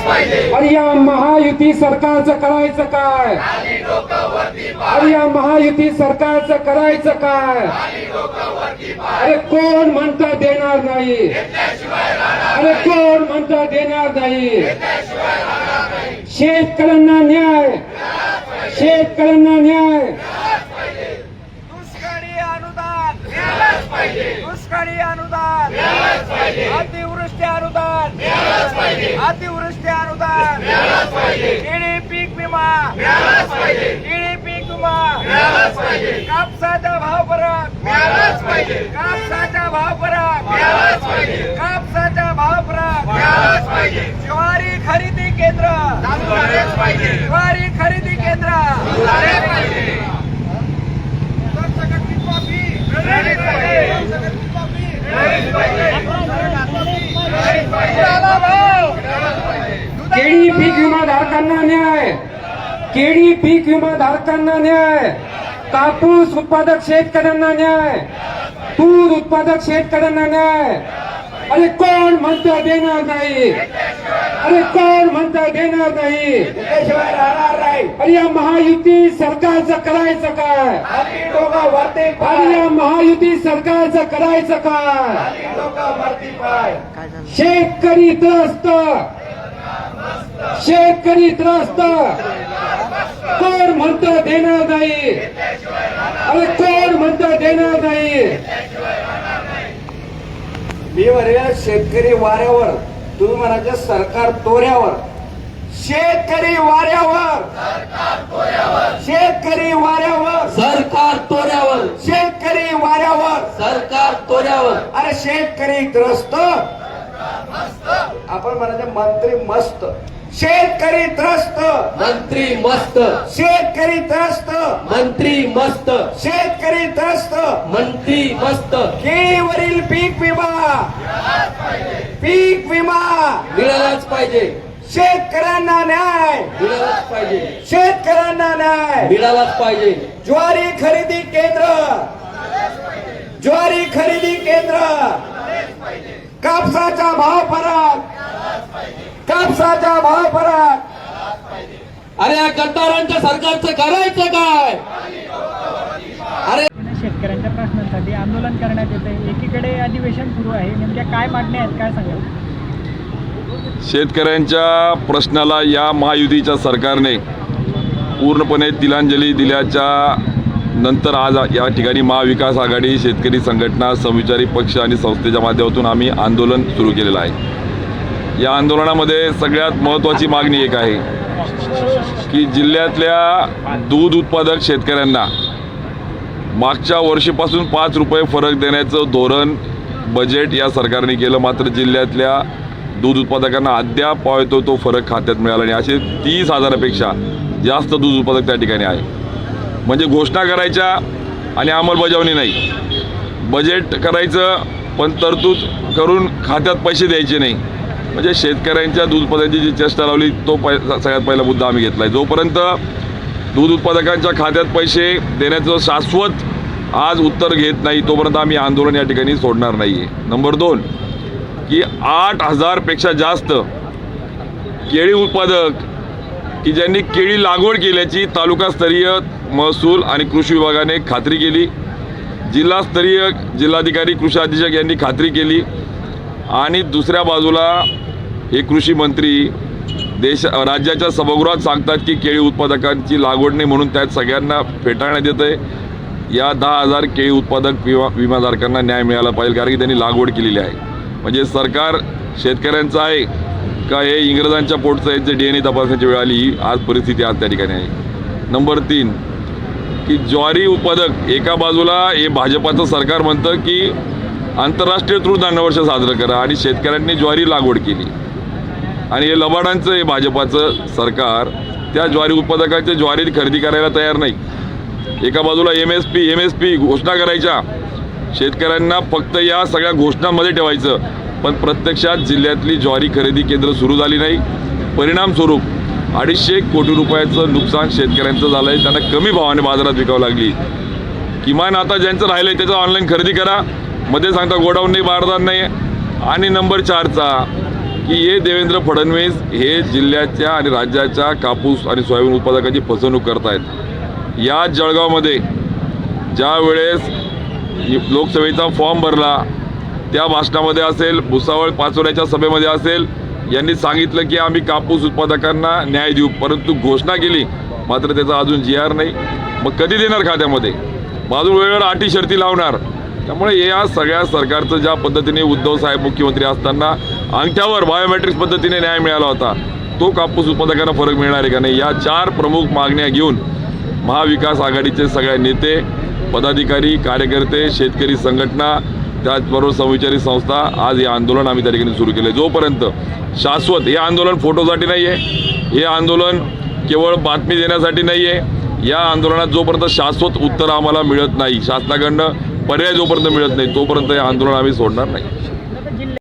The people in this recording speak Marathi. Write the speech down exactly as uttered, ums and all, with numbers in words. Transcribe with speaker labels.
Speaker 1: अरे या महायुती सरकारचं करायचं काय? अरे या महायुती सरकारचं करायचं काय? अरे कोण म्हणता देणार नाही? अरे कोण म्हणता देणार नाही? शेतकऱ्यांना न्याय, शेतकऱ्यांना न्याय.
Speaker 2: दुष्काळी अनुदान दुष्काळी अनुदान अतिवृष्टी अनुदान अतिवृष्टी अनुदान केळी पीक विमा केळी पीक विमा कापसाचा भाव फरक कापसाचा भाव फरक कापसाचा भाव फरक ज्वारी खरेदी केंद्र ज्वारी खरेदी केंद्र
Speaker 1: केळी पीक विमा धारकांना न्याय, केळी पीक विमा धारकांना न्याय, कापूस उत्पादक शेतकऱ्यांना न्याय, तूर उत्पादक शेतकऱ्यांना न्याय. अरे कोण म्हणतं देणार नाही? अरे कोण म्हणतं देणार नाही?
Speaker 2: त्याशिवाय राहणार नाही.
Speaker 1: अरे या महायुती सरकारचं करायचं काय?
Speaker 2: आम्ही दोघं वरती
Speaker 1: अरे या महायुती सरकारचं करायचं काय?
Speaker 2: आम्ही दोघं वरती पाय.
Speaker 1: शेतकरी त्रस्त, शेतकरी त्रस्त. कोण म्हणतं देणार नाही? अरे कोण म्हणतं देणार नाही?
Speaker 2: मी म्हणेल शेतकरी वाऱ्यावर, तुम्ही म्हणायचं सरकार तोऱ्यावर. शेतकरी वाऱ्यावर, शेतकरी वाऱ्यावर,
Speaker 3: सरकार तोऱ्यावर,
Speaker 2: शेतकरी वाऱ्यावर.
Speaker 3: सरकार तोऱ्यावर.
Speaker 2: अरे शेतकरी त्रस्त, आपण म्हणायचं मंत्री मस्त. शेतकरी त्रस्त,
Speaker 3: मंत्री मस्त,
Speaker 2: शेतकरी त्रस्त,
Speaker 3: मंत्री मस्त,
Speaker 2: शेतकरी त्रस्त.
Speaker 3: मंत्री मस्त.
Speaker 2: केळीवरील पीक विमा, पीक विमा
Speaker 3: मिळालाच पाहिजे,
Speaker 2: शेतकऱ्यांना न्याय,
Speaker 3: मिळालाच पाहिजे,
Speaker 2: शेतकऱ्यांना न्याय.
Speaker 3: मिळालाच पाहिजे.
Speaker 2: ज्वारी खरेदी केंद्र, ज्वारी खरेदी केंद्र. कापसाचा भाव फरक, कापसाचा भाव फरक.
Speaker 3: अरे या गद्दारांच्या सरकारचं करायचं काय? अरे
Speaker 4: शेतकऱ्यांच्या प्रश्नांसाठी आंदोलन करण्यात येते. एकीकडे अधिवेशन सुरू आहे, नेमक्या काय मागण्या आहेत, काय सांगाल?
Speaker 5: शेतकऱ्यांच्या प्रश्नाला या महायुतीच्या सरकारने पूर्णपणे तिलांजली दिल्याच्या नंतर आज या ठिकाणी महाविकास आघाडी, शेतकरी संघटना, समविचारी पक्ष आणि संस्थेच्या माध्यमातून आम्ही आंदोलन सुरू केलेलं आहे. या आंदोलनामध्ये सगळ्यात महत्त्वाची मागणी एक आहे की जिल्ह्यातल्या दूध उत्पादक शेतकऱ्यांना मागच्या वर्षीपासून पाच रुपये फरक देण्याचं धोरण बजेट या सरकारने केलं, मात्र जिल्ह्यातल्या दूध उत्पादकांना अद्याप पावतो तो फरक खात्यात मिळाला नाही. असे तीस हजारापेक्षा जास्त दूध उत्पादक त्या ठिकाणी आहे. म्हणजे घोषणा करायच्या आणि अंमलबजावणी नाही. बजेट करायचं पण तरतूद करून खात्यात पैसे द्यायचे नाही. म्हणजे शेतकऱ्यांच्या दूध उत्पादनाची जी चेष्टा लावली तो पै सगळ्यात पहिला मुद्दा आम्ही घेतला आहे. जोपर्यंत दूध उत्पादकांच्या खात्यात पैसे देण्याचं शाश्वत आज उत्तर घेत नाही तोपर्यंत आम्ही आंदोलन या ठिकाणी सोडणार नाही आहे. नंबर दोन की आठ हजारपेक्षा जास्त केळी उत्पादक की ज्यांनी केळी लागवड केल्याची तालुकास्तरीय महसूल आणि कृषी विभागाने खात्री केली, जिल्हास्तरीय जिल्हाधिकारी कृषी अधीक्षक यांनी खात्री केली आणि दुसऱ्या बाजूला हे कृषी मंत्री देश राज्याच्या सभागृहात सांगतात की केळी उत्पादकांची लागवड नाही म्हणून त्यात सगळ्यांना फेटाळण्यात येतं आहे. या दहा हजार केळी उत्पादक विमा विमाधारकांना न्याय मिळाला पाहिजे कारण की त्यांनी लागवड केलेली आहे. म्हणजे सरकार शेतकऱ्यांचं आहे का हे इंग्रजांच्या पोटचं आहे जे डी एन ए तपासण्याची वेळ आली ही आज परिस्थिती आज त्या ठिकाणी आहे. नंबर तीन की ज्वारी उत्पादक एका बाजूला हे भाजपाचं सरकार म्हणतं की आंतरराष्ट्रीय तृणधान्यवर्ष साजरं करा आणि शेतकऱ्यांनी ज्वारी लागवड केली आणि हे लबाडांचं हे भाजपाचं सरकार त्या ज्वारी उत्पादकांच्या ज्वारी खरेदी करायला तयार नाही. एका बाजूला M S P M S P घोषणा करायच्या, शेतकऱ्यांना फक्त या सगळ्या घोषणांमध्ये ठेवायचं, पण प्रत्यक्षात जिल्ह्यातली ज्वारी खरेदी केंद्र सुरू झाली नाही. परिणामस्वरूप अडीचशे कोटी रुपयाचं नुकसान शेतकऱ्यांचं झालं आहे. त्यांना कमी भावाने बाजारात विकावं लागली. किमान आता ज्यांचं राहिलं आहे त्याचं ऑनलाईन खरेदी करा, मध्ये सांगता गोडाऊन नाही, बारदान नाही. आणि नंबर चारचा की हे देवेंद्र फडणवीस हे जिल्ह्याच्या आणि राज्याच्या कापूस आणि सोयाबीन उत्पादकांची फसवणूक करतायत. या जळगावमध्ये ज्या वेळेस लोकसभेचा फॉर्म भरला त्या भाषणामध्ये असेल, भुसावळ पाचोऱ्याच्या सभेमध्ये असेल, यांनी सांगितलं की आम्ही कापूस उत्पादकांना न्याय देऊ, परंतु घोषणा केली मात्र त्याचा अजून जी आर नाही. मग कधी देणार खात्यामध्ये? अजून वेळेवर अटी शर्ती लावणार. त्यामुळे या सगळ्या सरकारचं ज्या पद्धतीने उद्धव साहेब मुख्यमंत्री असताना अंगठ्यावर बायोमेट्रिक्स पद्धतीने न्याय मिळाला होता, तो कापूस उत्पादकांना फरक मिळणार आहे का नाही, या चार प्रमुख मागण्या घेऊन महाविकास आघाडीचे सगळे नेते, पदाधिकारी, कार्यकर्ते, शेतकरी संघटना, त्याचबरोबर समविचारी संस्था आज हे आंदोलन आम्ही त्या ठिकाणी सुरू केले. जोपर्यंत शाश्वत, हे आंदोलन फोटोसाठी नाही आहे, हे आंदोलन केवळ बातमी देण्यासाठी नाही आहे, या आंदोलनात जोपर्यंत शाश्वत उत्तर आम्हाला मिळत नाही, शासनाकडनं पर्याय जोपर्यंत मिळत नाही, तोपर्यंत हे आंदोलन आम्ही सोडणार नाही.